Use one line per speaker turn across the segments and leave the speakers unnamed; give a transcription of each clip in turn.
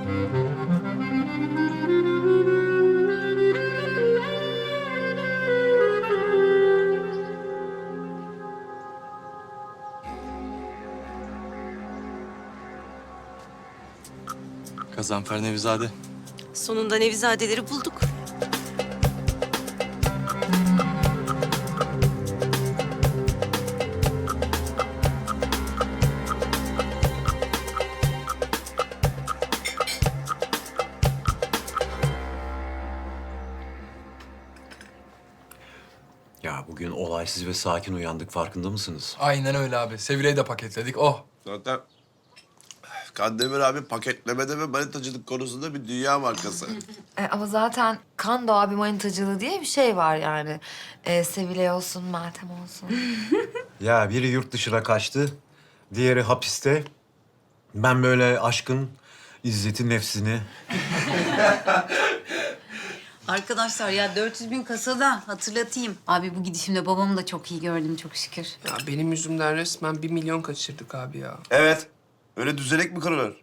Gazanfer Nevizade.
Sonunda Nevizadeleri bulduk.
Ya bugün olaysız ve sakin uyandık, farkında mısınız?
Aynen öyle abi. Sevile'yi de paketledik. Oh.
Zaten Kandemir abi paketlemede ve manitacılık konusunda bir dünya markası.
Ama zaten Kando abi manitacılığı diye bir şey var yani. Sevilay olsun, Meltem olsun.
Ya biri yurt dışına kaçtı, diğeri hapiste. Ben böyle aşkın izzeti nefsini...
Arkadaşlar ya 400 bin kasada hatırlatayım. Abi bu gidişimde babamı da çok iyi gördüm çok şükür.
Ya benim yüzümden resmen 1 milyon kaçırdık abi ya.
Evet. Öyle düzenek mi kırılır?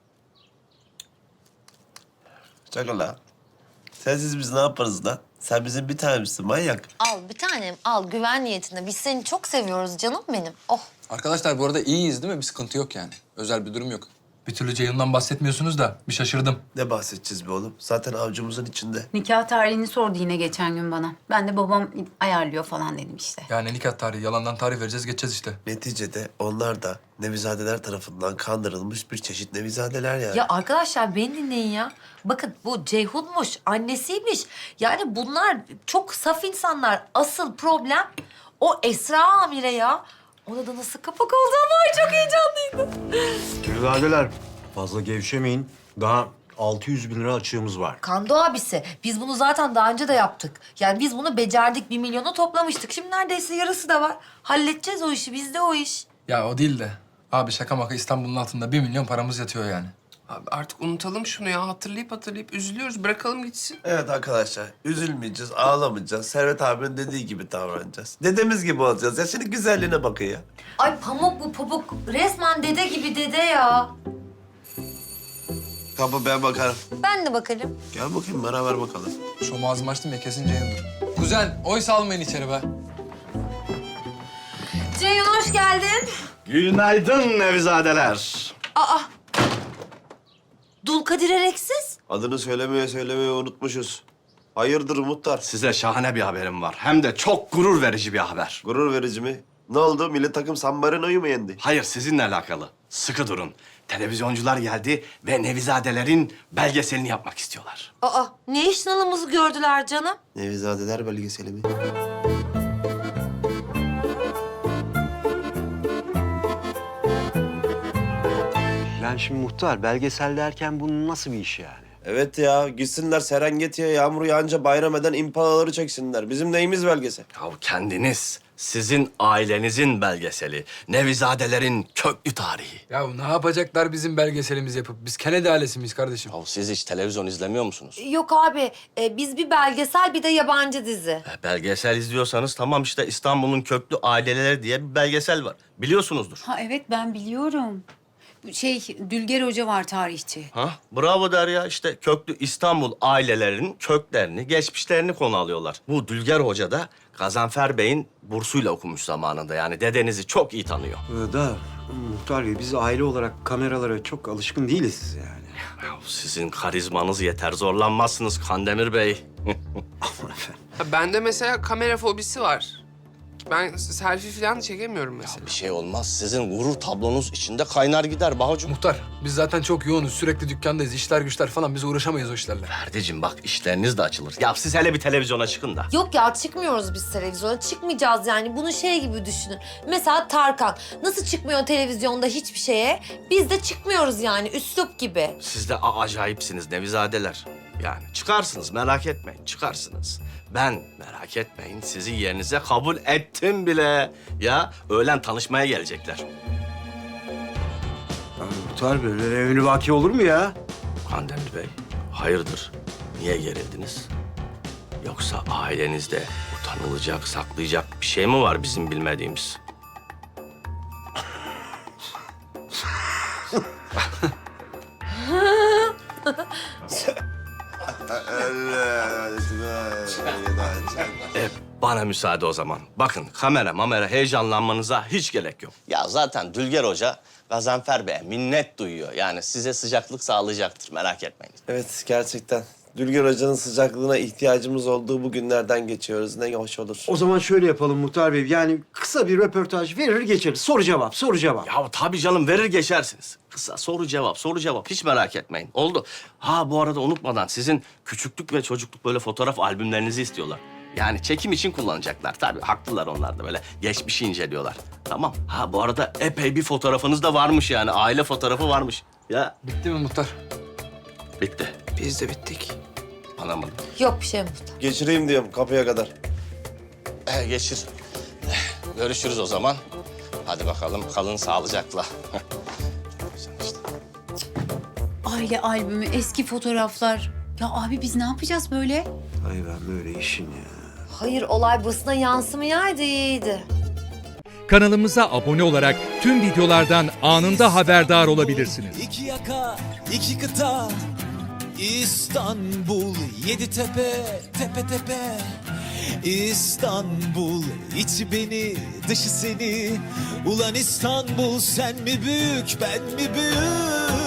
Çakal la. Sensiz biz ne yaparız lan? Sen bizim bir tanemizsin manyak.
Al bir tanem, al güven niyetinde. Biz seni çok seviyoruz canım benim. Oh.
Arkadaşlar bu arada iyiyiz değil mi? Bir sıkıntı yok yani. Özel bir durum yok. Bir türlü Ceyhun'dan bahsetmiyorsunuz da bir şaşırdım.
Ne bahsedeceğiz be oğlum? Zaten avucumuzun içinde.
Nikah tarihini sordu yine geçen gün bana. Ben de babam ayarlıyor falan dedim işte.
Yani nikah tarihi, yalandan tarih vereceğiz, geçeceğiz işte.
Neticede onlar da Nevizadeler tarafından kandırılmış bir çeşit Nevizadeler yani.
Ya arkadaşlar beni dinleyin ya. Bakın bu Ceyhun'muş, annesiymiş. Yani bunlar çok saf insanlar. Asıl problem o Esra Amire ya. Ona da nasıl kapak oldu ama ay çok heyecanlıydı.
Nevizadeler, fazla gevşemeyin. Daha 600 bin lira açığımız var.
Kando abisi, biz bunu zaten daha önce de yaptık. Yani biz bunu becerdik, 1 milyonu toplamıştık. Şimdi neredeyse yarısı da var. Halledeceğiz o işi, bizde o iş.
Ya o değil de. Abi şaka maka İstanbul'un altında 1 milyon paramız yatıyor yani.
Abi artık unutalım şunu ya. Hatırlayıp üzülüyoruz. Bırakalım gitsin.
Evet arkadaşlar, üzülmeyeceğiz, ağlamayacağız. Servet abinin dediği gibi davranacağız. Dedemiz gibi olacağız. Ya senin güzelliğine bakın ya.
Ay pamuk bu pamuk. Resmen dede gibi dede ya.
Kapı ben bakarım.
Ben de bakalım.
Gel bakayım beraber bakalım.
Şu ağzımı açtım ya kesin Ceyhun'dur. Kuzen, oy salmayın içeri be.
Ceyhun hoş geldin.
Günaydın Nevizadeler.
Aa. Dulkadir Ereksiz.
Adını söylemeye unutmuşuz. Hayırdır muhtar?
Size şahane bir haberim var. Hem de çok gurur verici bir haber.
Gurur verici mi? Ne oldu? Milli takım San Marino'yu mu yendi?
Hayır, sizinle alakalı. Sıkı durun. Televizyoncular geldi ve Nevizadelerin belgeselini yapmak istiyorlar.
Aa ne iş nalımızı gördüler canım.
Nevizadeler belgeseli mi?
Ben şimdi muhtar, belgesel derken bu nasıl bir iş yani?
Evet ya, gitsinler Serengeti'ye yağmur yağınca bayram eden impalaları çeksinler. Bizim neyimiz belgesel?
Ya kendiniz, sizin ailenizin belgeseli. Nevizadelerin köklü tarihi.
Ya ne yapacaklar bizim belgeselimizi yapıp? Biz Kennedy ailesi miyiz kardeşim?
Ya siz hiç televizyon izlemiyor musunuz?
Yok abi biz bir belgesel bir de yabancı dizi.
Belgesel izliyorsanız tamam işte İstanbul'un köklü aileleri diye bir belgesel var. Biliyorsunuzdur.
Ha evet ben biliyorum. Dülger Hoca var tarihçi.
Ha? Bravo Derya. İşte köklü İstanbul ailelerinin köklerini, geçmişlerini konu alıyorlar. Bu Dülger Hoca da Gazanfer Bey'in bursuyla okumuş zamanında. Yani dedenizi çok iyi tanıyor.
Muhtar Bey, biz aile olarak kameralara çok alışkın değiliz yani.
Ya sizin karizmanız yeter. Zorlanmazsınız Kandemir Bey.
Aman efendim.
Ha, bende mesela kamera fobisi var. Ben selfie falan çekemiyorum mesela.
Bir şey olmaz. Sizin gurur tablonuz içinde kaynar gider Bahucuğum.
Muhtar, biz zaten çok yoğunuz. Sürekli dükkandayız. İşler güçler falan. Biz uğraşamayız o işlerle.
Ferdiciğim bak işleriniz de açılır. Ya siz hele bir televizyona çıkın da.
Yok ya çıkmıyoruz biz televizyona. Çıkmayacağız yani. Bunu şey gibi düşünün. Mesela Tarkan nasıl çıkmıyor televizyonda hiçbir şeye? Biz de çıkmıyoruz yani üslup gibi.
Siz de acayipsiniz Nevizadeler. Yani çıkarsınız merak etmeyin çıkarsınız. Ben merak etmeyin sizi yerinize kabul ettim bile. Ya öğlen tanışmaya gelecekler.
Ya muhtar Bey, böyle evli vaki olur mu ya?
Kandemir Bey hayırdır? Niye gerildiniz? Yoksa ailenizde utanılacak, saklayacak bir şey mi var bizim bilmediğimiz? Bana müsaade o zaman. Bakın kamera heyecanlanmanıza hiç gerek yok. Ya zaten Dülger Hoca Gazanfer Bey'e minnet duyuyor. Yani size sıcaklık sağlayacaktır, merak etmeyin.
Evet, gerçekten. Dülger Hoca'nın sıcaklığına ihtiyacımız olduğu bu günlerden geçiyoruz. Ne hoş olur.
O zaman şöyle yapalım Muhtar Bey. Yani kısa bir röportaj verir geçeriz. Soru cevap, soru cevap.
Ya tabii canım, verir geçersiniz. Kısa soru cevap. Hiç merak etmeyin. Oldu. Ha bu arada unutmadan sizin küçüklük ve çocukluk böyle fotoğraf albümlerinizi istiyorlar. Yani çekim için kullanacaklar. Tabii haklılar onlar da, böyle geçmişi inceliyorlar. Tamam. Ha bu arada epey bir fotoğrafınız da varmış yani. Aile fotoğrafı varmış. Ya
Bitti mi muhtar?
bitti.
Biz de bittik.
Anlamadım.
Yok bir şey Muhtar.
Geçireyim diyorum kapıya kadar.
Geçir. Görüşürüz o zaman. Hadi bakalım, kalın sağlıcakla.
Aile albümü, eski fotoğraflar. Ya abi biz ne yapacağız böyle?
Ay ben böyle işin ya.
Hayır olay basına yansımayaydı iyiydi.
Kanalımıza abone olarak tüm videolardan anında haberdar olabilirsiniz.
İki yaka, iki kıta, İstanbul, yedi tepe, tepe tepe. İstanbul, içi beni, dışı seni. Ulan İstanbul, sen mi büyük, ben mi büyük?